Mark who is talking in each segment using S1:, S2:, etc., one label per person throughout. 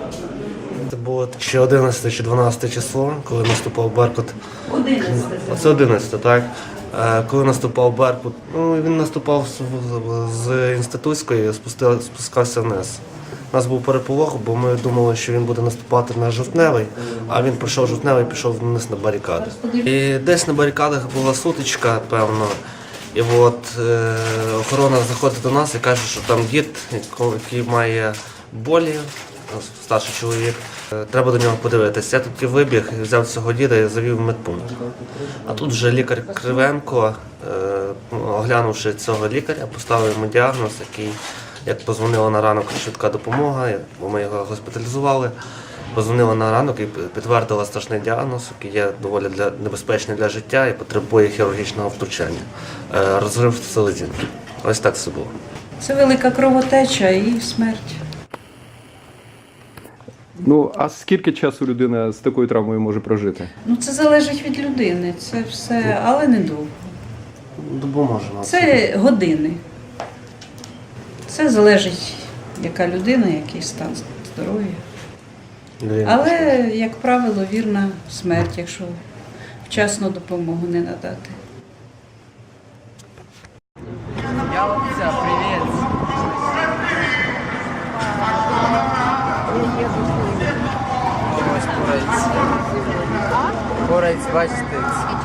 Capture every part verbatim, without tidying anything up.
S1: Це було ще одинадцяте чи дванадцяте число, коли наступав Беркут.
S2: одинадцяте.
S1: Це одинадцяте, так. Е, Коли наступав Беркут, ну, він наступав з- з Інститутської, спустив- спускався вниз. У нас був переполох, бо ми думали, що він буде наступати на Жовтневий, а він пройшов Жовтневий і пішов вниз на барикади. І десь на барикадах була сутичка, певно. І от е, охорона заходить до нас і каже, що там дід, яко- який має болі, старший чоловік. Е, Треба до нього подивитися. Я тоді вибіг, взяв цього діда і завів в медпункт. А тут вже лікар Кривенко, е, оглянувши цього лікаря, поставив йому діагноз, який, як позвонила на ранок швидка допомога, бо ми його госпіталізували. Позвонила на ранок і підтвердила страшний діагноз, який є доволі для, небезпечний для життя і потребує хірургічного втручання. Е, Розрив селезінки. Ось так це було.
S2: Це велика кровотеча і смерть.
S3: Ну, а скільки часу людина з такою травмою може прожити?
S2: Ну це залежить від людини, це все, але не довго.
S1: Допоможемо.
S2: Це години. Це залежить, яка людина, який стан здоров'я. Але, як правило, вірна смерть, якщо вчасно допомогу не надати.
S4: Ялця, привіт! Ось борець. Борець, бачите.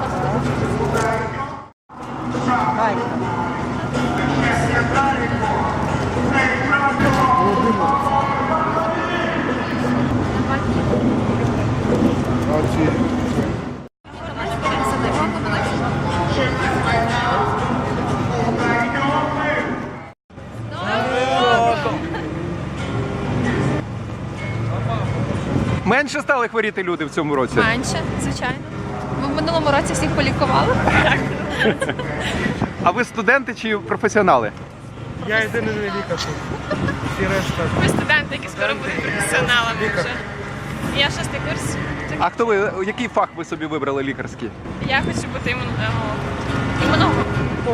S3: Менше стали хворіти люди в цьому році?
S5: Менше, звичайно. Ми в минулому році всіх полікували.
S3: А ви студенти чи професіонали?
S6: Я єдиний лікар. Всі решта.
S5: Ми студенти, які скоро будуть професіоналами вже. Я шостий курс.
S3: А хто ви, який фах ви собі вибрали лікарський?
S5: Я хочу бути імунологом. Імунологом.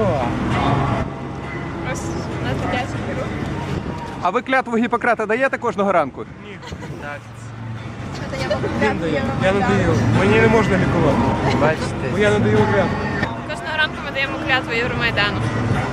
S5: Ось на дитячий беру.
S3: А ви клятву Гіппократа даєте кожного ранку?
S4: Так,
S6: Він дає. Я не даю. Мені не можна лікувати. Бо
S4: бачите.
S6: я не даю клятву.
S5: Кожного ранку ми даємо клятву Євромайдану.